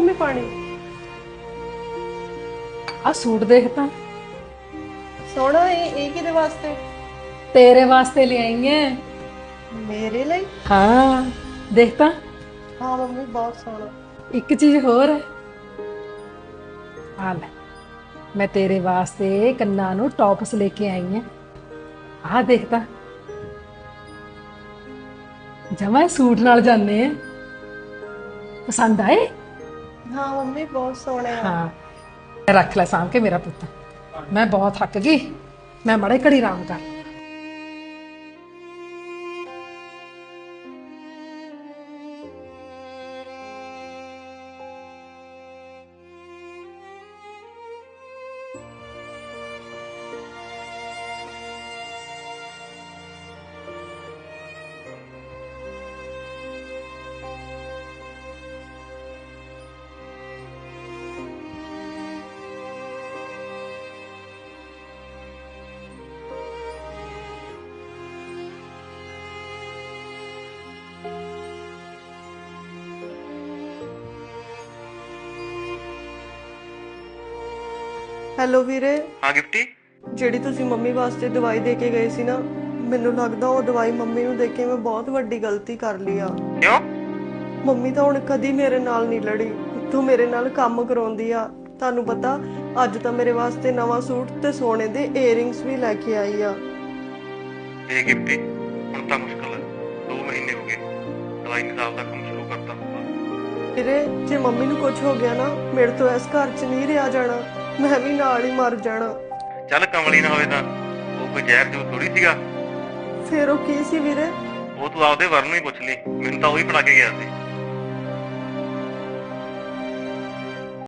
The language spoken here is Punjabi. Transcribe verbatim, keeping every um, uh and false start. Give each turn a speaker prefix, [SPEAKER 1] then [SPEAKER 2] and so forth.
[SPEAKER 1] ਮੰਮੀ ਪਾਣੀ?
[SPEAKER 2] ਆ ਸੂਟ ਦੇਖ ਤਾਂ,
[SPEAKER 1] ਸੋਹਣਾ ਇਹ ਇਹ ਕਿਹਦੇ ਵਾਸਤੇ?
[SPEAKER 2] ਤੇਰੇ ਵਾਸਤੇ ਲਿਆਈ ਐ।
[SPEAKER 1] ਮੇਰੇ ਲਈ?
[SPEAKER 2] ਹਾਂ ਦੇਖ ਤਾਂ,
[SPEAKER 1] ਹਾਂ ਮੰਮੀ ਬਹੁਤ ਸੋਹਣਾ।
[SPEAKER 2] ਇੱਕ ਚੀਜ਼ ਹੋਰ ਹੈ। ਆ ਲੈ, ਮੈਂ ਤੇਰੇ ਵਾਸਤੇ ਕੰਨਾਂ ਨੂੰ ਟੌਪਸ ਲੈ ਕੇ ਆਈ ਐ। ਆਹ ਦੇਖ ਤਾਂ, ਜਮਾ ਸੂਟ ਨਾਲ ਜਾਂਦੇ ਆ। ਪਸੰਦ ਆਏ?
[SPEAKER 1] ਹਾਂ ਮੰਮੀ ਬਹੁਤ ਸੋਹਣੇ ਆ।
[SPEAKER 2] ਹਾਂ, ਰੱਖ ਲੈ ਸਾਂਭ ਕੇ ਮੇਰਾ ਪੁੱਤ। ਮੈਂ ਬਹੁਤ ਥੱਕ ਗਈ, ਮੈਂ ਮੜੇ ਘੜੀ ਆਰਾਮ ਕਰ।
[SPEAKER 1] ਹੈਲੋ ਵੀਰੇ।
[SPEAKER 3] ਹਾਂ ਗਿਫਟੀ।
[SPEAKER 1] ਜਿਹੜੀ ਤੁਸੀਂ ਮੰਮੀ ਵਾਸਤੇ ਦਵਾਈ ਦੇ ਕੇ ਗਏ ਸੀ ਨਾ, ਮੈਨੂੰ ਲੱਗਦਾ ਉਹ ਦਵਾਈ ਮੰਮੀ ਨੂੰ ਦੇ ਕੇ ਮੈਂ ਬਹੁਤ ਵੱਡੀ ਗਲਤੀ ਕਰ ਲਈ ਆ।
[SPEAKER 3] ਕਿਉਂ?
[SPEAKER 1] ਮੰਮੀ ਤਾਂ ਹੁਣ ਕਦੀ ਮੇਰੇ ਨਾਲ ਨਹੀਂ ਲੜੀ, ਤੂੰ ਮੇਰੇ ਨਾਲ ਕੰਮ ਕਰਾਉਂਦੀ ਆ। ਤੁਹਾਨੂੰ ਪਤਾ, ਅੱਜ ਤਾਂ ਮੇਰੇ ਵਾਸਤੇ ਨਵਾਂ ਸੂਟ ਤੇ ਸੋਨੇ ਦੇ ਏਅਰਿੰਗਸ ਵੀ ਲੈ ਕੇ ਆਈ ਆ।
[SPEAKER 3] ਇਹ ਗਿਫਟੀ ਹੁਣ ਤਾਂ ਮੁਸ਼ਕਲ ਹੈ। ਦੋ ਮਹੀਨੇ ਹੋ ਗਏ, ਦਵਾਈ ਨਿਕਾਲ ਦਾ ਕੰਮ ਸ਼ੁਰੂ ਕਰਤਾ ਹੋਊਗਾ।
[SPEAKER 1] ਵੀਰੇ ਜੇ ਮੰਮੀ ਨੂੰ ਕੁਝ ਹੋ ਗਿਆ ਨਾ, ਮੇਰੇ ਤੋਂ ਇਸ ਘਰ 'ਚ ਨਹੀਂ ਰਿਹਾ ਜਾਣਾ। ਮੈਂ ਵੀ ਨਾਲ ਹੀ ਮਰ ਜਾਣਾ।
[SPEAKER 3] ਚੱਲ ਕਮਲੀ ਨਾ ਹੋਵੇ ਤਾਂ ਉਹ ਕੋਈ ਜ਼ਹਿਰ ਜੂ ਥੋੜੀ ਸੀਗਾ।
[SPEAKER 1] ਫਿਰ ਉਹ ਕੀ ਸੀ ਵੀਰੇ?
[SPEAKER 3] ਉਹ ਤੂੰ ਆਪਦੇ ਵਰ ਨੂੰ ਹੀ ਪੁੱਛ ਲਈ, ਮੈਨੂੰ ਤਾਂ ਉਹੀ ਫੜਾ ਕੇ ਗਿਆ ਸੀ।